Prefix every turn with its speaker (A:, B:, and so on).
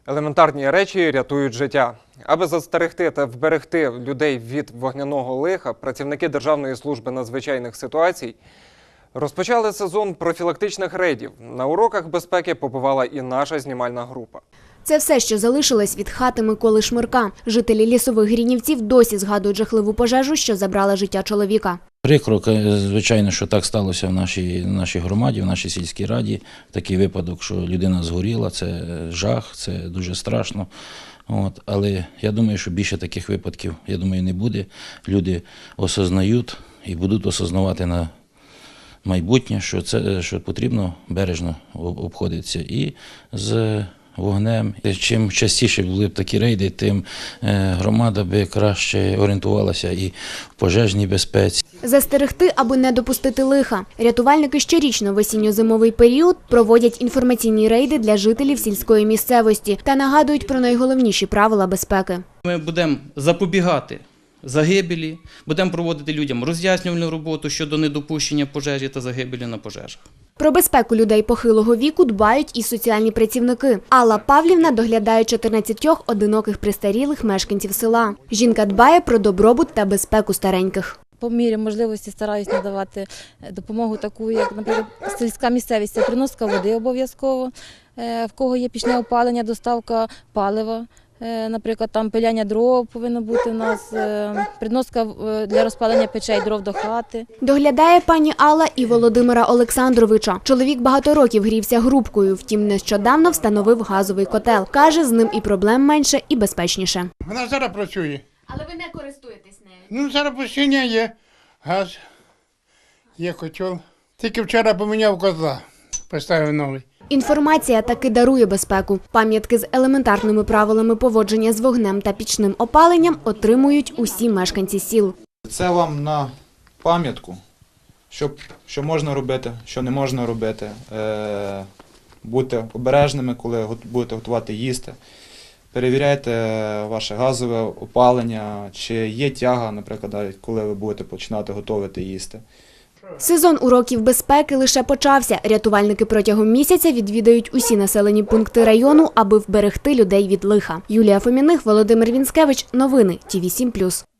A: Елементарні речі рятують життя. Аби застерегти та вберегти людей від вогняного лиха, працівники Державної служби надзвичайних ситуацій розпочали сезон профілактичних рейдів. На уроках безпеки побувала і наша знімальна група.
B: Це все, що залишилось від хати Миколи Шмирка. Жителі Лісових Гринівців досі згадують жахливу пожежу, що забрала життя чоловіка.
C: Прикро, звичайно, що так сталося в нашій громаді, в нашій сільській раді. Такий випадок, що людина згоріла, це жах, це дуже страшно. Але я думаю, що більше таких випадків, не буде. Люди осознають і будуть осознавати на майбутнє, що потрібно бережно обходитися і з вогнем. Чим частіше були б такі рейди, тим громада би краще орієнтувалася і в пожежній безпеці.
B: Застерегти, аби не допустити лиха. Рятувальники щорічно в осінньо-зимовий період проводять інформаційні рейди для жителів сільської місцевості та нагадують про найголовніші правила безпеки.
D: Ми будемо запобігати загибелі, будемо проводити людям роз'яснювальну роботу щодо недопущення пожежі та загибелі на пожежах.
B: Про безпеку людей похилого віку дбають і соціальні працівники. Алла Павлівна доглядає 14 одиноких престарілих мешканців села. Жінка дбає про добробут та безпеку стареньких.
E: По мірі можливості стараюсь надавати допомогу таку, як, наприклад, сільська місцевість, це приноска води обов'язково, в кого є пічне опалення, доставка палива. Наприклад, там пиляння дров повинно бути у нас, приноска для розпалення печей дров до хати.
B: Доглядає пані Алла і Володимира Олександровича. Чоловік багато років грівся грубкою, втім нещодавно встановив газовий котел. Каже, з ним і проблем менше, і безпечніше.
F: Вона зараз працює.
B: Але ви не користуєтесь нею?
F: Зараз постійно є газ, є котел. Тільки вчора поміняв котла, поставив новий.
B: Інформація таки дарує безпеку. Пам'ятки з елементарними правилами поводження з вогнем та пічним опаленням отримують усі мешканці сіл.
G: Це вам на пам'ятку, що можна робити, що не можна робити. Будьте обережними, коли будете готувати їсти. Перевіряйте ваше газове опалення, чи є тяга, наприклад, коли ви будете починати готувати їсти.
B: Сезон уроків безпеки лише почався. Рятувальники протягом місяця відвідають усі населені пункти району, аби вберегти людей від лиха. Юлія Фоміних, Володимир Вінськевич. Новини ТІВІ 7+.